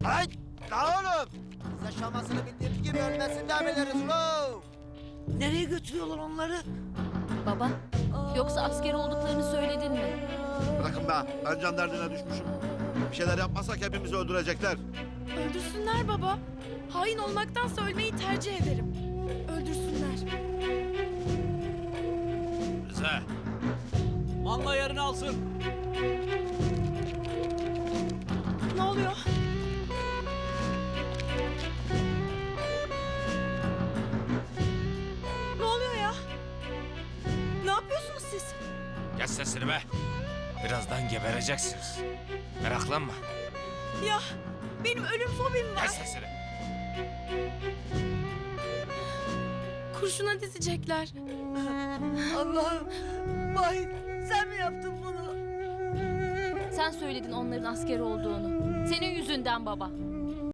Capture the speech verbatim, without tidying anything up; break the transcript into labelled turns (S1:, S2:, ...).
S1: Ay! La oğlum! Biz yaşamasını bildiğimiz gibi ölmesini de biliriz lo!
S2: Nereye götürüyorlar onları?
S3: Baba, yoksa asker olduklarını söyledin mi?
S4: Bırakın be, ben can derdine düşmüşüm. Bir şeyler yapmasak hepimizi öldürecekler.
S5: Öldürsünler baba. Hain olmaktansa ölmeyi tercih ederim. Öldürsünler.
S6: Rıza. Malla yerini alsın.
S5: Ne oluyor? Ne oluyor ya? Ne yapıyorsunuz siz?
S6: Kes sesini be. Birazdan gebereceksiniz. Meraklanma.
S5: Ya benim ölüm fobim var.
S6: Kes sesini.
S5: Kurşuna dizecekler.
S2: Allah'ım. Vahit sen mi yaptın bunu?
S3: Sen söyledin onların asker olduğunu. Senin yüzünden baba.